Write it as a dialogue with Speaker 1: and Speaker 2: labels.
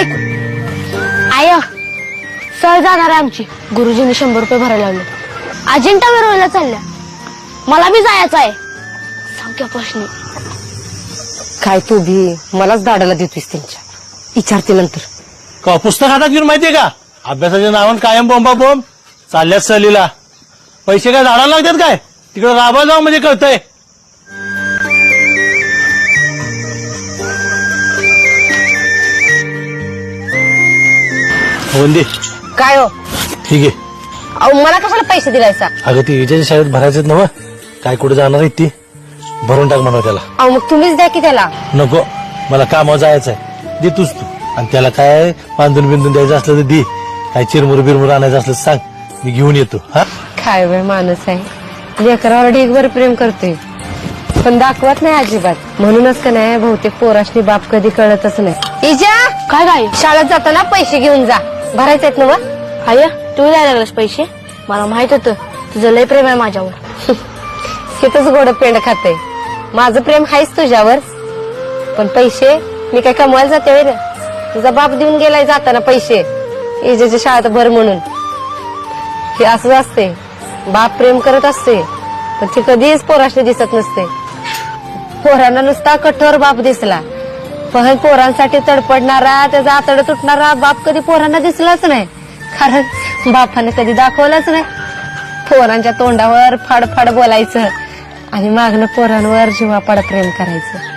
Speaker 1: ऐक आय सहज जाणार आहे आमची. गुरुजींनी 100 रुपये भरायला लावले. अजिंठा वेरूळला चालल्या. मला बी जायचं आहे. सांग प्रश्न
Speaker 2: काय तू भी मलाच दाडाला देतोस त्यांच्या. विचारते नंतर.
Speaker 3: का पुस्तक हातात घेऊन माहितीये का अभ्यासाच्या नावानं कायम बोंबा बोंब चालल्यात सहलीला. पैसे काय झाडाला लागतात काय तिकडे राबा जाऊ म्हणजे कळतंय. वंदी
Speaker 2: काय हो
Speaker 3: ठीक आहे.
Speaker 2: अहो मला कशाला पैसे दिलायचा.
Speaker 3: अगं ती विजयच्या शाळेत भरायचेत ना काय कुठे जाणार आहे ती भरून टाक म्हणा त्याला.
Speaker 2: अहो मग तुम्हीच द्या की त्याला.
Speaker 3: नको मला कामावर जायचंय दे तूच तू. आणि त्याला काय बांधून बिंदून द्यायचं असलं तर दे. काय चिरमुर बिरमुर आणायचं असलं तर सांग मी घेऊन येतो. हा
Speaker 2: काय वेळ माणूस आहे. लेकरावर ढीगभर प्रेम करतोय पण दाखवत नाही अजिबात. म्हणूनच का नाही बहुतेक पोराशनी बाप कधी कळतच नाही. इजा
Speaker 1: काय काय
Speaker 2: शाळेत जाताना पैसे घेऊन जा. भरायचे आहेत ना व.
Speaker 1: आय तू द्यायला लागलास पैसे. मला माहित होतं तुझं लय प्रेम आहे माझ्यावर.
Speaker 2: तिथंच गोड पेंड खाते. माझं प्रेम आहेच तुझ्यावर पण पैसे मी काय कमवायला जाते होय रे. तुझा बाप देऊन गेलाय जाताना पैसे इजेच्या शाळेत भर म्हणून. हे असंच असते. बाप प्रेम करत असते पण ते कधीच पोराशी दिसत नसते. पोरांना नुसता कठोर बाप दिसला पण पोरांसाठी तडपडणारा त्याचा आतड तुटणारा बाप कधी पोरांना दिसलाच नाही. कारण बापाने कधी दाखवलंच नाही. पोरांच्या तोंडावर फाडफाड बोलायचं आणि मागणं पोरांवर जीवापाड प्रेम करायचं.